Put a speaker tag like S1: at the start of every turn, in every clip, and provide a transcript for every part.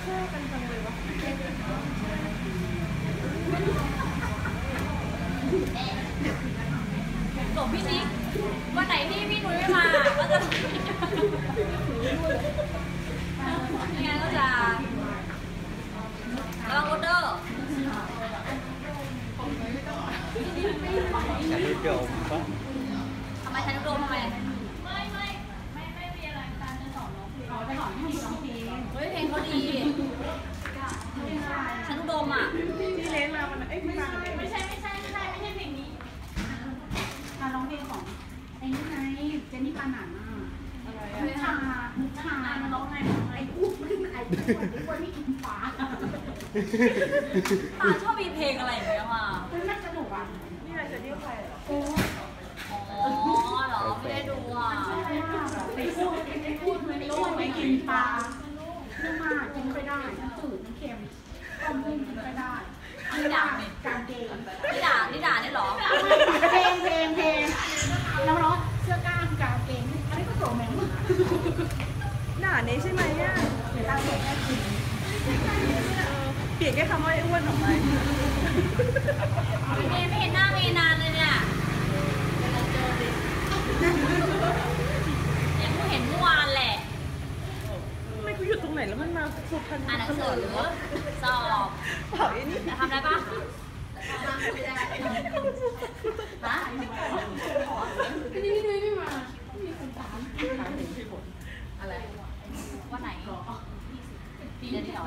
S1: อกันจังเลยวะ
S2: ส่งพี่นิกวันไหนที่พี่นุ้ยไม่มาก็จะยังไงก็จะระวังรถเด้อ
S3: ฉันโดมปะ
S2: ทำไมฉันโดมทำไมไม่มีอะไรการจะสอนน้องเพลงจะสอนให้ร้องเพลงเฮ้ยเพลงเขาดีฉันโดมอ่ะ
S1: ที่เล่นมาวันนั้นไม่ใช่เพลงนี้
S4: ร้องเพลงของไอ้นี่ไงเจนนี่ปานันอ่ะมุชาร้องไงไอ้อ้วนไม่กินฟ้า
S2: ตาชอบมีเพลงอะไรอย่างเงี้ยว่ะ
S4: มันสนุกอ่ะ
S1: นี่อะไรจะเรียกใครเหรอ
S2: อ๋อเหรอไม่ได้ดูอ่ะ
S4: ไปพูดมันอ้วนไม่กินปลาเรื่องมากกินไปได้มันจืดมันเค็มต้มนึ่งกินไปได้
S2: นี่ด่า
S4: การเกง
S2: นี่ด่าเนี่ยหรอ
S4: เพลงแล้วเนาะเสื้อกล้ามการเกงอันนี้ก็โสมแมง
S1: หน้านี้ใช่ไหมเนี่ย
S4: เดี๋ยวตาเด็กได้กิน
S1: เปลี่ยนแค่คำว่าไอ้อ้วนออกไป
S2: ไม่เห็นหน้าเมย์นานเลยเนี่ยยังเห็นเมื่อวานแหละ
S1: ไม่กูอยู่ตรงไหนแล้วมันมาสุพรรณ
S2: อ่านหนังสือหรือสอบ
S1: เผาไอ้นี่
S2: ทำได้ปะฮะ
S4: นี่ไม่มามีคนตาม
S2: อะไรวันไหนปีเดือนที่สอง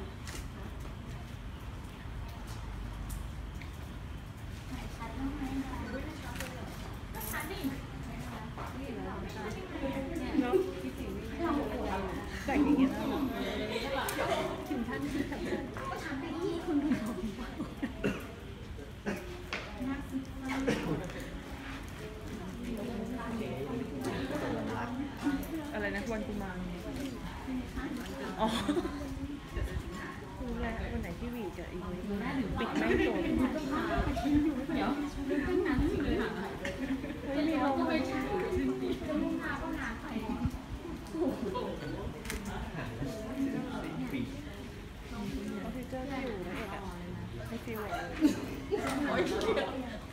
S1: แต่งอย่างเงี้ยนะอะไรนะวันกุมารอ๋อคือวันไหนที่วีกับอีกปิดไม่โดนเดี๋ยวไม่มีลมเลยเจอที่อยู่นะเอกอะไม่ฟิวเลยโอ้ยเดี๋ยว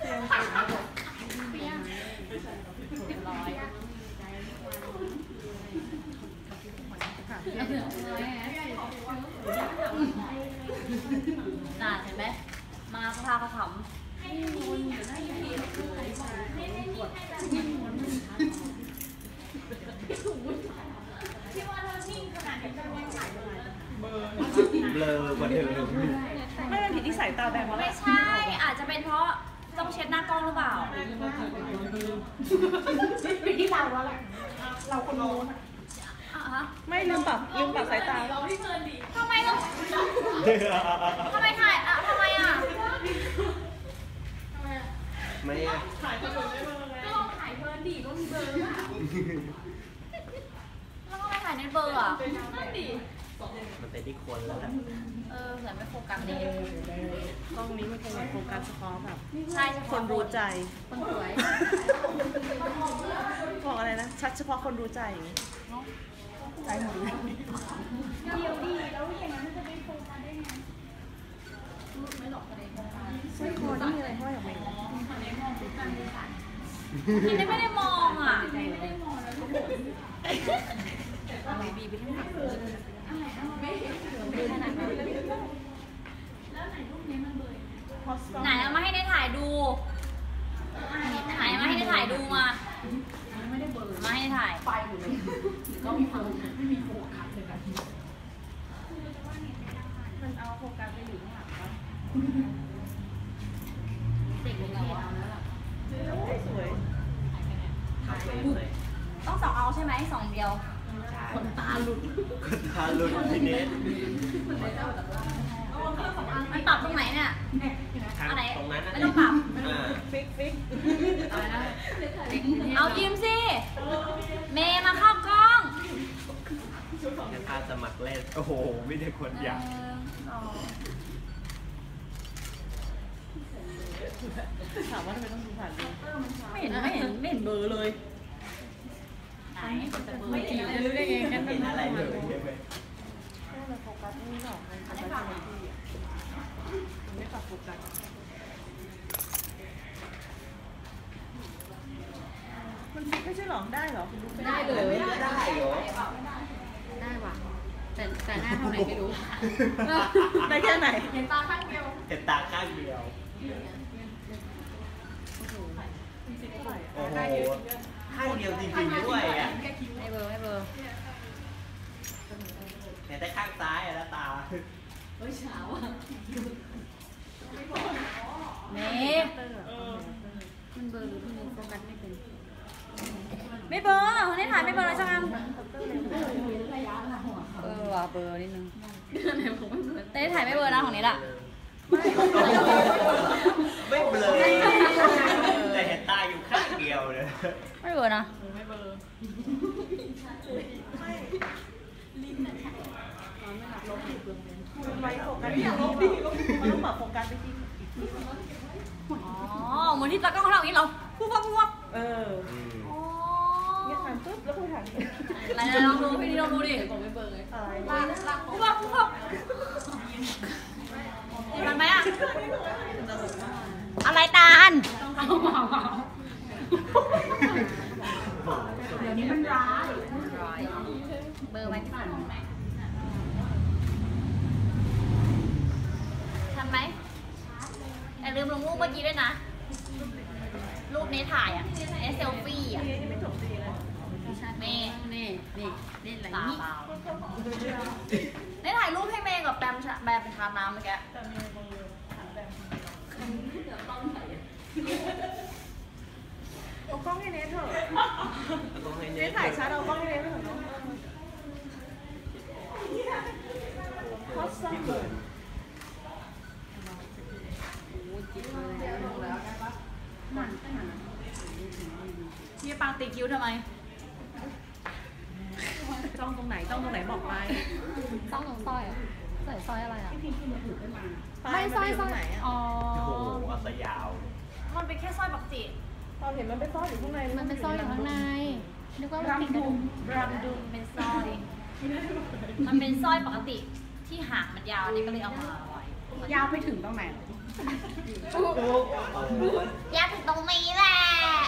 S2: น่าเห็นไหมมาสภาเขาขำ
S3: เบลอมาเดิม
S1: ไม่เป็นผิดที่สายตาแดงวะ
S2: ไม่ใช่อาจจะเป็นเพราะต้องเช็ดหน้ากล้องหรือเปล่า
S4: เป็นที่เราแล้วแหละเราคนโน้น
S1: ไม่ลืมปรับสายตา
S2: ทำไมต้องทำไมถ่ายอ่ะทำไมอ่ะ
S3: ไม่
S4: ถ่ายเบอร์ก็ลองถ่ายเบอร์ดีก็มีเบอร์อ่ะ
S2: แล้วก็ไม่ถ่ายในเบอร์อ่ะ
S4: นั่นดิ
S3: มันเป็นที่คนแล้ว
S2: เหมือนไม่โฟกัสดี
S1: กล้องนี้มันคงโฟกัสเฉพาะแบบ
S2: ใช่
S1: คนรู้ใจ
S2: คนสวย
S1: บอกอะไรนะชัดเฉพาะคนรู้ใจอย่างนี้ใจหมดเลย
S4: เดียวดีแล้วอย่างนั้นจะเป็นโฟกัสได้ไง
S2: ไม่หลอกประเด็น
S1: สร้อยคอนี่มีอะไรห้อยออกมา
S2: พี่ไม่ได้มองอ่ะ
S4: ไม่ได้มองแล้วทุกคน
S2: อะไรบีไปที่ไหน
S4: ไม่เห็นขนาดนั้นแล้วไหนรูปนี้มันเบย
S2: ไหนเอามาให้ได้ถ่ายดูไหนมาให้ได้ถ่ายดูมา
S4: ไม่ได้เบอร์
S2: มาให้ได้ถ่าย
S4: ไฟอยู่เลยก็มีความไม่มีโฟกัสเลยกัน
S1: มันเอาโฟกัสไปอยู่ข้างหลังปะ
S2: เด็กเลยเรา
S1: สวย
S2: ต้อง2เอาใช่ไหม2เดียว
S4: คนตาหลุด
S3: พี่เนส
S2: มันปรับตรงไหนเนี่ยอะไร
S3: ตรงนั้น
S2: ไม่ต้องปรับ
S1: ฟิก
S2: เอายิ้มสิเมย์มาเข้ากล้อง
S3: แค่ท่าสมัครเล่นโอ้โหไม่ได้คนอยาก
S1: ถามว่าทำไมต้องดูผ่านดู
S2: ไม่เห็นเบอร์เลยไหน
S1: ไม่เห็นรู้ได้ไงกัน
S3: เห็นอะไรเลย
S1: เลยโฟกัสนี่หรอกมันไม่ปรับมันไม่ปรับโฟกัสมันไม่ใช่หรอได้หรอคุณรู้ไม่ได้
S3: ได้เลยได้เหรอ
S2: ได้ว่ะแต่หน้าเท่าไหร่ไม่รู้
S1: ได้แค่ไหน
S2: เห็นตาข้างเดียว
S3: เห็นตาข้างเดียวโอ้โหข้างเดียวจริงๆด้วยอ่ะ
S2: ให้เบอร์
S3: เห็นแต่ข้างซ้ายอะแล้วตา
S2: เมมันเบอร์หรือพี่โฟกัสไม่เป็นไม่เบอร์คนนี้ถ่ายไม่เบอร์เลยช่างว่ะเบอร์นิดนึงแต่ถ่ายไม่เบอร์นะของนี้ล่ะ
S3: ไม่เบลอแต่เห็นตาอยู่ข้างเดียวเลย
S2: ไม่เบอร์นะ
S1: ไม่เบลอมันไว้โฟกัสที่นี่มันต้องปรับโฟกัสไปที่อีกที
S2: อ๋อเหมือนที่ตากล้องเขาทำอย่างนี้เหรอปุ๊บปุ๊บ
S1: เออ
S2: อ๋อ
S1: เนี่ยหันปุ๊บแล้วคุยหัน
S2: อะไรลองดูพี่นี่ลองดูดิผมไม่เบอร์เลย
S1: อะไร
S2: ปุ๊บปุ๊บมันไหมอะอะไรตาล
S4: เดี๋ยวนี้มันร้าย
S2: เบอร์ไหมพี่ฝันทันไหมแต่ลืมลงรูปเมื่อกี้ด้วยนะ รูปนี้ถ่ายอ่ะเซลฟี่อ่ะ
S1: นี่ไม่จบดีเลย
S2: เมย์
S4: นี่อะไร
S2: ตา
S4: นี่
S2: เปล่าได้ถ่ายรูปให้เมย์กับแบมเป็นทาน้ำเมื่อกี้
S1: แต่มีเบอร์หันแบบเอากล้องให้เนทเถอะเนทถ่ายชัดเอากล้องให้เนทเถอะเนาะคอสซัมเบอร์
S2: พี่ปังตีคิ้วทำไม
S1: จ้องตรงไหนบอกไป
S2: ต้องลงสร้อยอ่ะใส่สร้อยอะไรอ่ะ
S1: ไม่สร้อยตรงไหนอ่ะ
S2: อ๋อ
S3: โอ้โหเอาซะยาว
S2: มันเป็นแค่สร้อยปกติ
S1: ตอนเห็นมันเป็นสร้อยอยู่ข้างใน
S2: มันเป็นสร้อยอยู่ข้างในนึกว่ามันติดกระดุมเป็นสร้อย มันเป็นสร้อยปกติที่หางมันยาวนี่ก็เลยเอามาไว้
S4: ยาวไปถึงตรงไหน
S2: ยาวถึงตรงนี้แหละ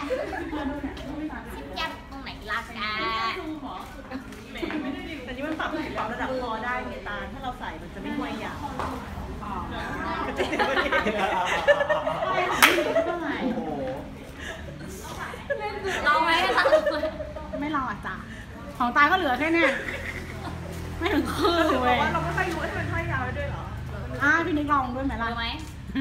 S2: ชิบยาวตรงไหนล่ะแก
S1: แต่นี่มันปรับระดับคอได้ไงตาถ้าเราใส่มันจะไม่ห้วยยาว
S3: โอ้โห
S2: ลองไหมให้ตัดเลย
S4: ไม่ลองอ่ะจ้ะของตายก็เหลือแค่เนี้ยไม่ถึงครึ่ง
S1: ถือ
S4: เว้ย
S1: ว่าเราไม่ค่อยรู้ว่ามันห้อยยาวได้ด้วยเหรอ
S4: พี่นิกลองด้วยไหมล่ะ
S2: รู้ไหม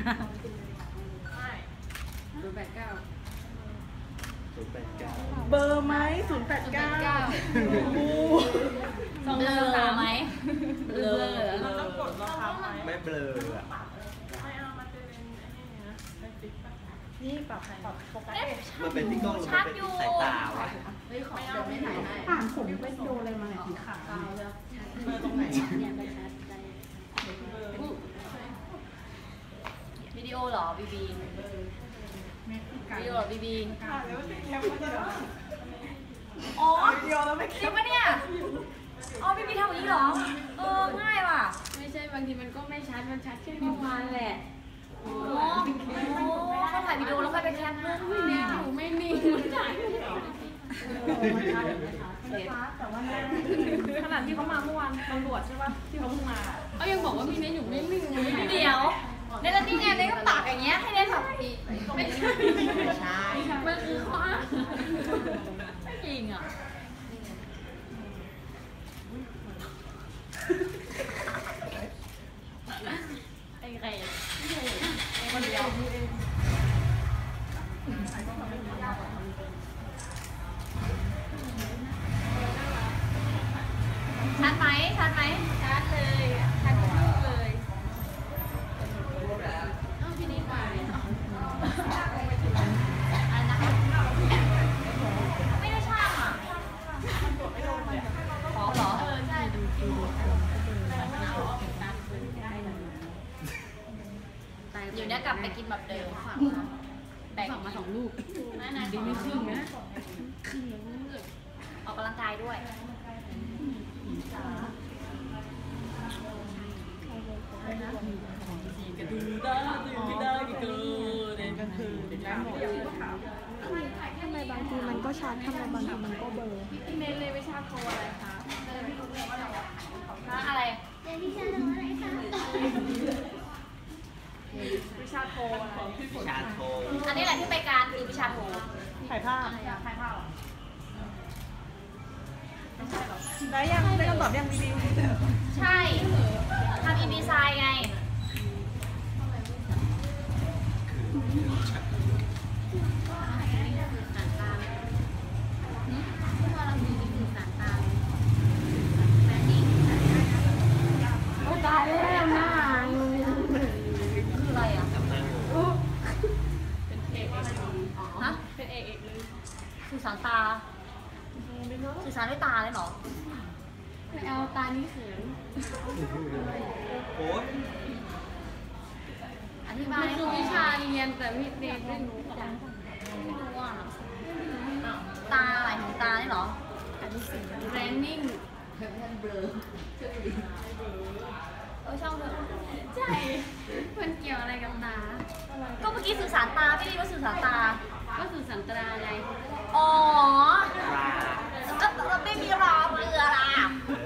S1: เบอร์ไหม089บู
S2: ต้องเบลอไหมเบลอ
S1: เราต้องกดราคาไหม
S3: ไม่เบลออะ
S1: ไม่เอามันจะเป็นนี่ปรับโฟกัส
S3: มันเป็นที่กล้องหรือมันเป็นที่สายตาวะ
S4: ผ่านผมไปโดนอะไรมาเนี่ยสีขาว
S1: เบอร์ตรงไหน
S2: วิดีโอเหรอบีบีวิดีโอเหรอบีบี อ๋อ
S1: เดียวแล้วไม่
S2: จริงปะเนี่ย อ๋อบีบีทำอย่างนี้เหรอ ง่ายว่ะ
S5: ไม่ใช่บางทีมันก็ไม่ชัด มันชัดแค่เมื่อวานแหละ
S2: อ๋อเขาถ่ายวิดีโอแล้วค่อยไปแคปรูป
S5: ไม่นิ่งอยู่ไม่นิ่งมันถ่ายไม่ได้
S1: แต่ว่าขนาดที่เขามาเมื่อวานตำรวจใช่ป่ะที่เขาเพิ่งมา
S5: เขายังบอกว่ามีเน้นอยู่ไม่นิ่งเลย
S2: เดี๋ยวในแล้วนี่ไงในก็ปากอย่างเงี้ยให้ได้แบบอีก
S5: ไม่ใช่
S3: ไม่ใช่
S5: มันคือข้ออ้าง
S2: ไม่จริงอ่ะไอ้ใครคนเดียวชัดไหมชัดไหม
S5: ชัดเลยชัดทุกรูปเลยเอ้าพี่นี่ไป
S2: อะไรนะไม่ได้ช่างอ่ะขอเหรอ
S5: ใช่ดู
S2: อยู่เนี่ยกลับไปกินแบบเดิมแบ่ง
S5: ฝั่งมา2 ลูก
S2: ดีไม่ครึ่งนะออกกำลังกายด้วย
S5: กระดูได้ตื่นไม่ได้กี่เกิน
S1: ก็คือได้หมดทำไมบางทีมันก็ชัดทำไมบางทีมันก็เบลอ
S5: พี่เนทเลยวิชาโทอะไรคะ
S2: อะไร
S1: วิชาโท
S3: วิชาโท
S2: อันนี้แหละที่ไปการคือวิชาโท
S1: ถ่ายภาพ
S2: ใครเผา
S1: ได้ยังได้คำตอบยังดี
S2: ใช่ทำอินดีไซน์ไงตายแล้วนะคืออะไรอ่ะ
S3: กำลัง
S2: ฮะ
S5: เป็นเอกเลย
S2: สื่อสารตาสื่อสารด้วยตาเลยเหรอ
S5: ไม่เอาตานี่เขิน
S3: โอ๊ย
S2: อธิบา
S5: มั
S2: ย
S5: นคือวิชาเรียนแต่พี่เนทไม่รู้จัก
S2: ไม่รู้อ่ะตาหมายถึงตาเนี่ยเหรอ
S5: แบรนดิ้ง
S2: ช่างเถอะ
S5: ใช่ มันเกี่ยวอะไรกับตา
S2: ก็เมื่อกี้สื่อสารตาไม่ได้ว่าสื่อสารตา
S5: ก็คือสันตราไง
S2: อ๋อ
S3: ปลา
S2: ก็ไม่มีรอเรือล่ะ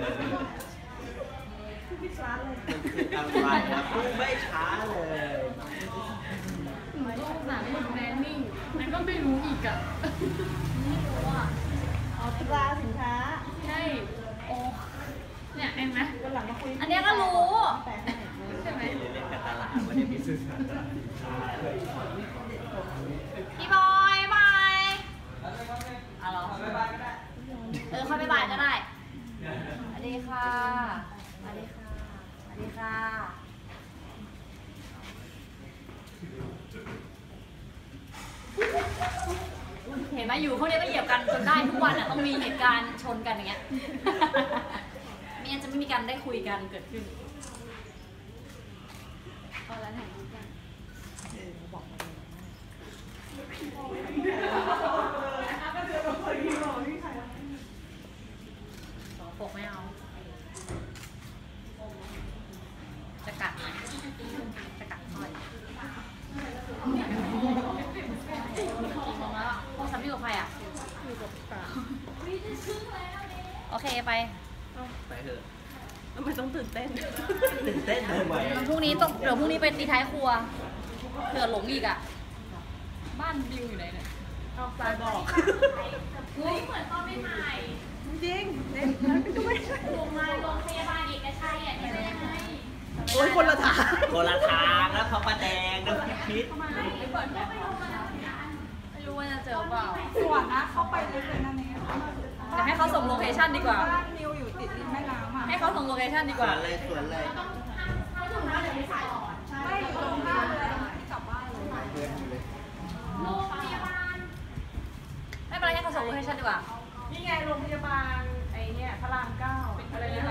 S3: อะไรนะพูดไม่ช้าเลย
S5: หนูก็อุตส่าห์เรียนแบรนดิ้งแล้วก็ไม่รู้อีกอ่ะ
S2: ไม่รู้อ่ะ
S1: ๆเอาตราสินค้า
S5: ใช่
S2: โอ้
S5: เนี่ยเห็นไหม
S1: วันหลังมาคุย
S2: อันเนี้ยก็รู้
S1: แต่ให้
S5: ใช่ไหม
S3: เล่นกับตลาดวันนี้มีสื่อสารตลาด
S2: พี่บอยบายอ๋อเหรอค่อยไปบ่ายก็ได้สวัสดีค่ะสวัสดีค่ะสวัสดีค่ะ เห็นไหมอยู่พวกนี้ก็เหยียบกันจนได้ทุกวันอ่ะต้องมีเหตุการณ์ชนกันอย่างเงี้ย ไม่งั้นจะไม่มีการได้คุยกันเกิดขึ้น
S5: เอาแล้วถ่ายรูปกัน
S2: สองปกไม่เอา จะกัดไหมจะกัดค่อยกี่โมงแล้วพวกฉันอยู่กับใครอ่ะ
S1: อยู่กับตา
S2: โอเคไป
S3: ไปเถอะ
S1: ทำไมต้องตื่นเต้น
S3: ตื่นเต้นทำไม
S2: พรุ่งนี้ต้องเดี๋ยวพรุ่งนี้ไปตีท้ายครัวเผื่อหลงอีกอ่ะ
S5: บ้านดิวอยู่ไหนเนี่ย
S1: เอาตายบอก
S2: เฮ้ยเหมือนตอนไม่ใหม่
S1: จริงเล่นนั้นก็ไม่ใช่
S2: โรงพยาบาลเอกชัยอ่ะที่ไม่ได้ให้
S1: โอ้ยคนละทาง
S3: คนละทางแล้วพระประแดงน้ำพริก
S2: ไม่รู้ว่าจะเจอเปล่า
S1: ส่วนนะเข้าไปลึกเลยนะเนี่ย
S2: เดี๋ยวให้เขาส่งโลเคชั่นดีกว่า
S1: บ้านนิวอยู่ติดริมแม่น้ำอ่ะ
S2: ให้เขาส่งโลเคชั่นดี
S3: ส
S2: ก
S3: ว
S2: ว่า
S3: นเลยสวนเลย
S1: ไม่อยู่ตรงข้ามเลยที่กลับบ้านเลย
S2: โรงพยาบาลไม่เป็นไรให้เขาส่งโลเคชั่นดีกว่า
S1: นี่ไงโรงพยาบาลไอ้เนี่ยพระรามเก้าอะไรนะ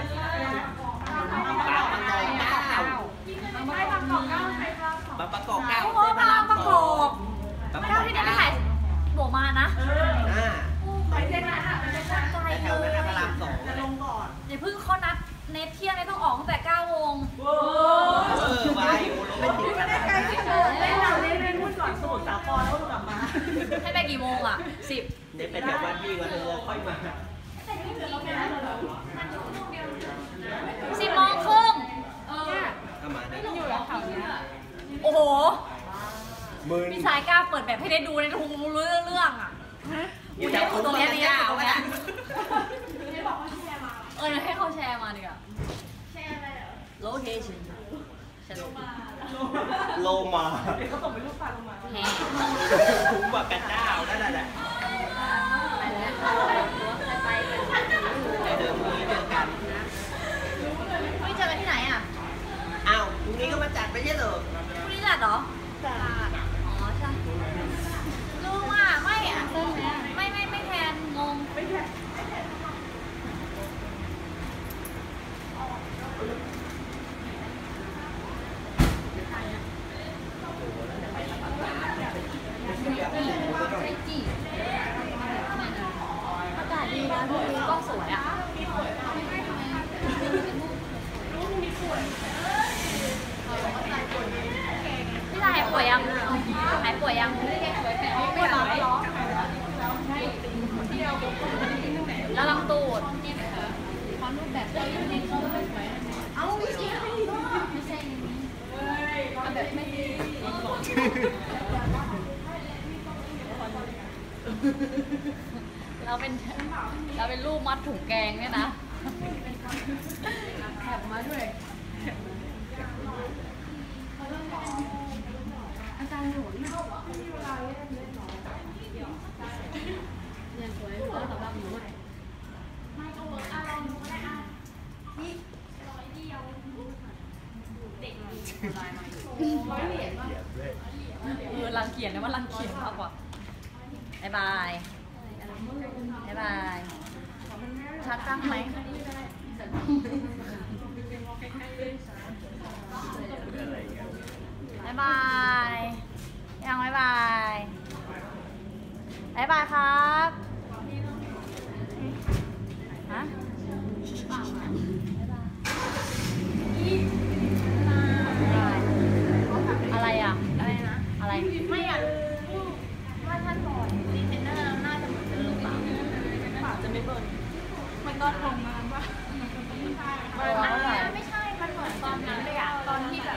S3: ปลาประกอบเก้า
S1: ไม่บางกอกเก้าใครครับ
S3: ปลาประกอบเก้า
S2: โอ้โหพระรามประกอบไม่เท่าที่เด็กไม่ถ่ายโบมานะ
S1: ไปเส้นนั้นอ่ะไปเส้นนั้น
S2: ไกล
S3: แถ
S2: เล
S3: วนั้น
S2: ย
S3: พระรามสอง
S1: จะลงก่อน
S2: อย่าเพิ่งเขานัดเน็ตเที่ยงเนี่ยต้องออกตั้งแต่9 โมง
S3: ไว้ไม่ติดกัน
S1: ไกลที่สุดเล่นเราเล่นพูดก่อนสมุทรสาครแล้วกลับมา
S2: ให้ไปกี่โมงอ่ะ10
S3: เด็กเป็นแถวบ้านพี่ก็เธอค่อยมา
S2: 10 โมงครึ่ง
S3: ก็มาได้
S1: อยู่แล้วเขาเนี่ย
S2: โอ้โห
S3: มือ
S2: พี่ชายกล้าเปิดแบบให้ได้ดูในทุกเรื่องอ่ะ
S3: อยู่แถวคุ้ม
S2: ตรงนี้นี่
S3: เก้า
S2: ตรง
S3: ไหม
S2: นี้ให้เขาแชร์มาดีกว่าแชร์อะไรเหรอ location ฉันลง
S3: โลมา
S1: เขาส่งไปรูปปลาลงมา
S2: แฮ
S3: คุ้มกว่ากันเจ้านั่นแหละ
S2: ไป
S3: ไปเดิมนี้เจอกัน
S2: เจอกันที่ไหนอ่ะ
S3: อ้าวพรุ่งนี้ก็มาจัดไปใช่เหรอ
S2: พรุ่งนี้จัดเหรออ๋อใช่ลุงอ่ะไม่อ่ะไม่แทนงง
S1: ไม่ใช่
S2: อากาศดีนะพรุ่งนี้กล้องสวยอ่ะยังหายป่วยยังไม่หรอแล้วลำตูดความรูปแบบเอาไม่ใช่แบบไม่ดีเราเป็นรูปมัดถุงแกงเนี่ยนะแถบมาด้วยอาจารย์หนุนเนี่ยสวยก็สำหรับหนูไม่ก็เวิร์กลองดูก็ได้นี่เด็กลายมาอยู่รังเกียจนะว่ารังเกียจมากกว่าบ๊ายบายบ๊ายบายชัดตั้งไหมบ๊ายบายยังบ๊ายบายบ๊ายบายครับฮะอะไรอ่ะอะไรนะอะไรไม่อยากว่าท่านบอยดีเทนเนอร์น่าจะเหมือนเดิมเปล่า
S1: ปากจะไม่เบิร์นมันก็ทำงานป่ะ
S2: ไม่ใช่ มันเหมือนตอนนั้นเลยอะตอนที่แบบ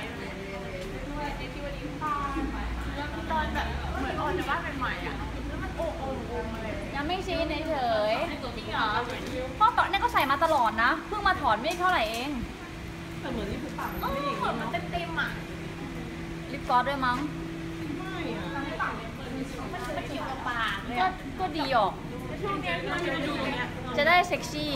S2: ตอนแบบเหมือนออนจะว่าเป็นใหม่อะแล้วมันโอ้เลยยังไม่ชี้เฉยจริงเหรอเพราะตอนนี้ก็ใส่มาตลอดนะเพิ่งมาถอนไม่เท่าไหร่เอง
S1: แต่เหมือนที่ผูกปากมัน
S2: ไม่อย่างนี้มันเต็มๆอะลิปกลอสด้วยมั้ง
S1: ไม่อะ
S2: มันเกี่ยวกับปากก็ดีออกจะได้เซ็กซี่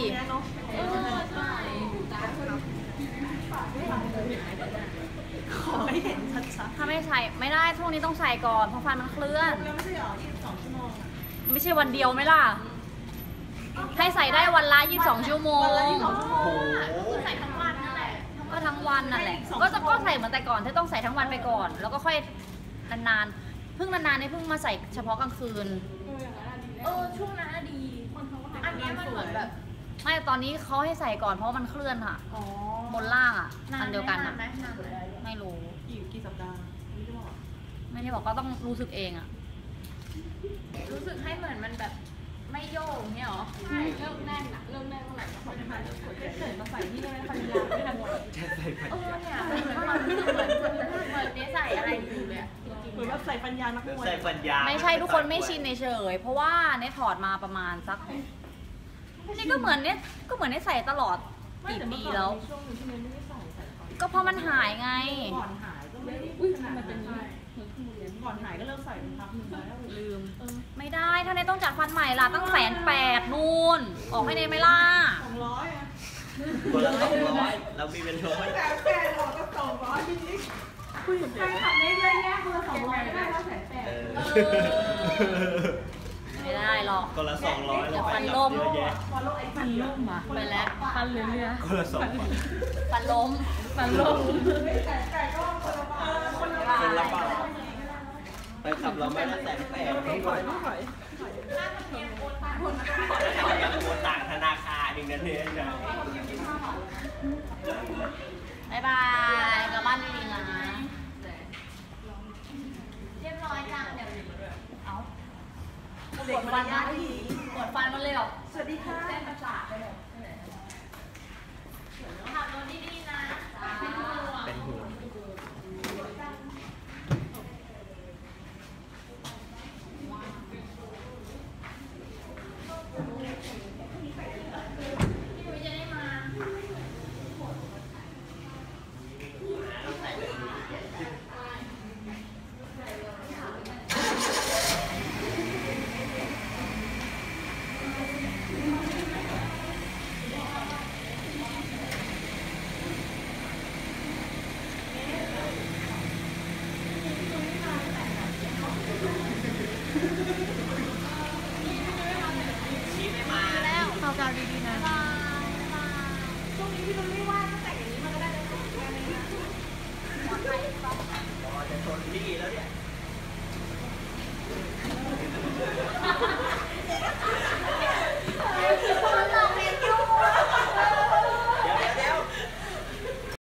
S1: ขอให้เห็นชัด
S2: ถ้าไม่ใส่ไม่ได้ช่วงนี้ต้องใส่ก่อนเพราะฟันมันเคลื่อน
S1: แล้วไม่ใช่หรอ22 ชั่วโมง
S2: ไม่ใช่วันเดียวไหมล่ะให้ใส่ได้วันละ22 ชั่วโมงใส่ทั้งวันนั่นแหละก็ทั้งวันนั่นแหละก็ใส่เหมือนแต่ก่อนที่ต้องใส่ทั้งวันไปก่อนแล้วก็ค่อยนานๆเพิ่งนานๆนี่เพิ่งมาใส่เฉพาะกลางคืนช่วงนั้นดีอันนี้มันเหมือนแบบไม่ตอนนี้เขาให้ใส่ก่อนเพราะมันเคลื่อนค่ะบนล่างอ่ะอันเดียวกันอ่ะไม่รู้
S1: กี่สัปดาห์
S2: ไม่ได้บอกก็ต้องรู้สึกเองอ่ะรู้สึกให้เหมือนมันแบบไม่โยกเนี่ยหรอใช่เริ่มแน่นอะเริ่มแน่นเมื่อไหร่ก็พอจะมา
S1: เกิดมาใส่ที่ได้ไหมพันยาไม่ทันหมด
S3: จะใส่พันยา
S2: เนี่ยมันเหมือนนี่ใส่อะไรอยู่เลย
S1: เหมือนแบบใส่ปัญญานักมวย
S3: ใส่ปัญญา
S2: ไม่ใช่ทุกคนไม่ชินเฉยเพราะว่าเนี่ยถอดมาประมาณสักนี่ก็เหมือนเนี่ยใส่ตลอดกี่ปีแล้วก็เพราะมันหายไง
S1: ก่อนหายก็ไม่ขนาดนั้นก่อนหายก็เลิกใส่พักนึงแล้ว
S2: ลืมไม่ได้ถ้าเนี่ยต้องจัดฟันใหม่ล่ะตั้ง180,000นู่นออกให้เนี่ยไม่ล่ะ
S1: 200อ่ะ
S3: คนละ200เรามีเป็น100
S1: แต่ออกก็200จริงๆใครขับได้เยอะแยะคนละ200ได้แล้ว180,000
S2: ไม่ได้หรอก
S3: คนละ200แล้ว
S2: ฟันล้ม
S1: ฟันล้มอ่ะ
S2: ไปแล้วฟันเรือ
S3: คนละ2
S2: ฟันล้ม
S1: แต่ก็
S3: คนละบาทไปขับเราไม่ละ180,000
S1: ไม่ถอย
S3: ยังโอนต่างธนาคารอีกนั่นเองนะ
S2: บ๊ายบายกลับบ้านดีๆนะเรียบร้อยจังเดี๋ยวเอาปวดฟันนะปวดฟันมันเลยหรอ
S1: สวัสดีค่ะ